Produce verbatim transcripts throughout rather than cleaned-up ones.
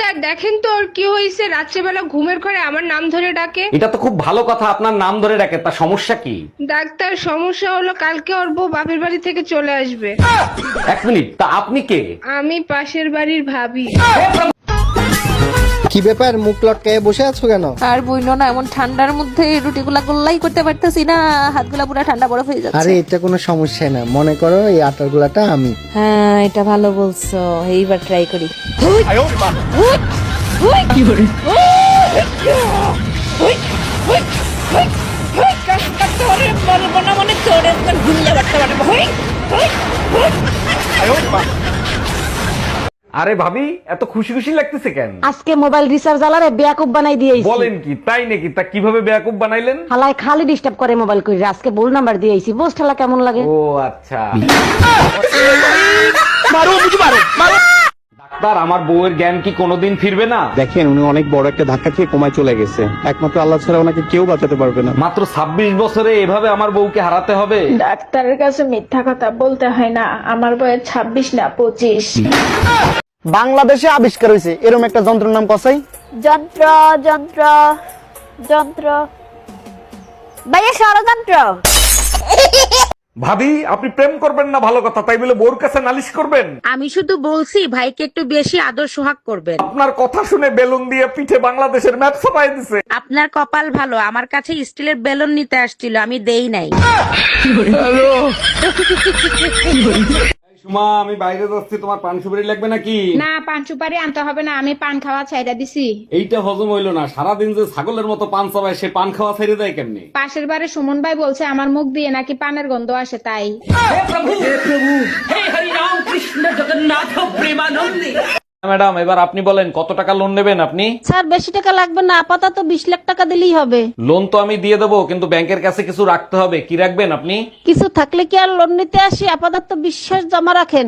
Doctor দেখেন তো ওর কি হয়েছে, রাত্রেবেলা ঘুমের ঘরে আমার নাম ধরে ডাকে। এটা তো খুব ভালো কথা, আপনার নাম ধরে ডাকে, তা সমস্যা কি? ডাক্তার সমস্যা হলো কালকে ওর বউ বাপের বাড়ি থেকে চলে আসবে। এক মিনিট, তা আপনি কে? আমি পাশের বাড়ির ভাবি। কি ব্যাপার, মুখ লটকায় বসে আছো কেন? আর বইনো না, এমন ঠান্ডার মধ্যে রুটিগুলা গোল্লাই করতে পারতেছি না, হাতগুলা পুরো ঠান্ডা বরফ হয়ে যাচ্ছে। আরে এটা কোনো সমস্যা না, মনে করো এই আটার গুলাটা আমি। হ্যাঁ এটা ভালো বলছো, এইবার ট্রাই করি। আরে ভাবি, এত খুশি খুশি লাগতেছে কেন? আজকে মোবাইল রিচার্জ আলারে বেয়াকুব বানাই দিয়েছি। বলেন কি, তাই নাকি? তা কিভাবে বেয়াকুব বানাইলেন? হালাই খালি ডিস্টার্ব করে মোবাইল কইরা, আজকে ভুল নাম্বার দিয়েছি। বুঝ ঠালা কেমন লাগে? ও আচ্ছা। ডাক্তার, আমার বউয়ের জ্ঞান কি কোনোদিন ফিরবে না? দেখেন, উনি অনেক বড় একটা ধাক্কা খেয়ে কোমায় চলে গেছে, একমাত্র আল্লাহ ছাড়া ওনাকে কেউ বাঁচাতে পারবে না। মাত্র ছাব্বিশ বছরে এভাবে আমার বউকে হারাতে হবে? ডাক্তারের কাছে মিথ্যা কথা বলতে হয় না, আমার বয়স ছাব্বিশ না পঁচিশ। বাংলাদেশে আবিষ্কার হয়েছে এরকম একটা যন্ত্রের নাম কসাই। যন্ত্র যন্ত্র যন্ত্র ভাইয়া, ষড়যন্ত্র। ভাবি, আপনি প্রেম করবেন না ভালো কথা, তাই বলে বউর কাছে নালিশ করবেন? আমি শুধু বলছি ভাইকে একটু বেশি আদর সোহাগ করবেন। আপনার কথা শুনে বেলুন দিয়ে পিঠে বাংলাদেশের ম্যাপ ছাপাই দিছে। আপনার কপাল ভালো, আমার কাছে স্টিলের বেলুন নিতে আসছিল, আমি দেই নাই। সুমা, আমি বাইরে যাচ্ছি, তোমার পান সুপারি লাগবে নাকি? না, পান সুপারি আনতে হবে না, আমি পান খাওয়া ছাইড়া দিছি। এইটা হজম হইলো না, সারাদিন যে ছাগলের মতো পান চাবায়, সে পান খাওয়া ছেড়ে দেয় কেমনি? পাশের বাড়ি সুমন ভাই বলছে আমার মুখ দিয়ে নাকি পানের গন্ধ আসে, তাই। ম্যাডাম, এবার আপনি বলেন কত টাকা লোন নেবেন আপনি? স্যার বেশি টাকা লাগবে না, আপাতত বিশ লাখ টাকা দিলেই হবে। লোন তো আমি দিয়ে দেবো, কিন্তু ব্যাংকের কাছে কিছু রাখতে হবে। কি রাখবেন আপনি? কিছু থাকলে কি আর লোন নিতে আসি? আপাতত বিশ্বাস জমা রাখেন।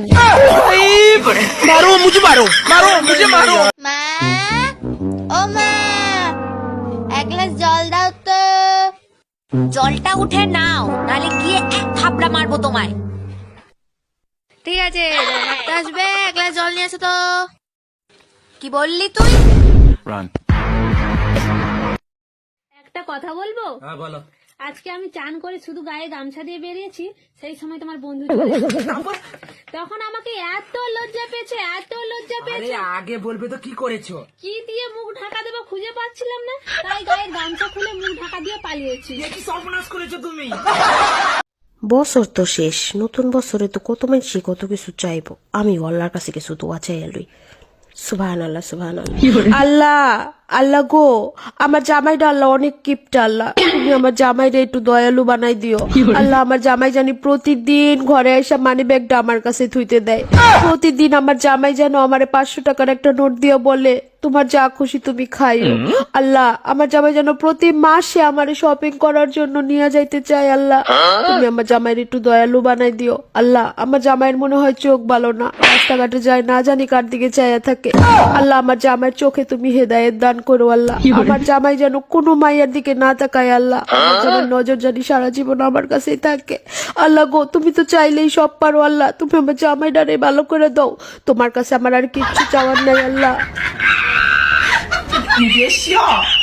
মা, ও মা, এক গ্লাস জল দাও তো। জলটা উঠে নাও, নালে গিয়ে এক থাপড়া মারবো তোমায়। ঠিক আছে, ডাক্তার আসবে, এক গ্লাস জল নিয়ে আসো তো। কি বললি তুই? একটা কথা বলবো? হ্যাঁ বলো। আজকে আমি চান করে শুধু গায়ে গামছা দিয়ে বেরিয়েছি, সেই সময় তোমার বন্ধু চলে এসেছে। তখন আমাকে এত লজ্জা পেয়েছে, এত লজ্জা পেয়েছে। আগে বলবে তো কি করেছো? কি দিয়ে মুখ ঢাকা দেবো খুঁজে পাচ্ছিলাম না, তাই গায়ের গামছা খুলে মুখ ঢাকা দিয়ে পালিয়েছি। কি সর্বনাশ করেছো তুমি? বছর তো শেষ, নতুন বছরে তো কত মানুষ কত কিছু চাইবো, আমি আল্লাহর কাছে কিছু দোয়া চাই লই। সুবহানাল্লাহ, সুবহানাল্লাহ। আল্লাহ, আল্লাহ গো, আমার জামাইটা আল্লাহ অনেক কিপটা, আল্লাহ তুমি আমার জামাইটা একটু দয়ালু বানাই দিও। আল্লাহ, আমার জামাই জানি প্রতিদিন ঘরে এসে মানি ব্যাগটা আমার কাছে থুইতে দেয়। প্রতিদিন আমার জামাই যেন আমার পাঁচশো টাকার একটা নোট দিয়ে বলে তোমার যা খুশি তুমি খাইও। আল্লাহ, আমার জামাই যেন প্রতি মাসে আমার শপিং করার জন্য নিয়ে যাইতে চাই। আল্লাহ, তুমি আমার জামাইয়ের একটু দয়ালু বানাই দিও। আল্লাহ, আমার জামাইয়ের মনে হয় চোখ ভালো না, রাস্তাঘাটে যায় না জানি কার দিকে চাইয়া থাকে। আল্লাহ, আমার জামাইয়ের চোখে তুমি হেদায়েত দান করো। আল্লাহ, আমার জামাই যেন কোনো মাইয়ার দিকে না তাকায়। আল্লাহ, আমার জামাইয়ের নজর জানি সারা জীবন আমার কাছেই থাকে। আল্লাহ গো, তুমি তো চাইলেই সব পারো। আল্লাহ, তুমি আমার জামাইটারে ভালো করে দাও, তোমার কাছে আমার আর কিচ্ছু চাওয়ার নেই। আল্লাহ।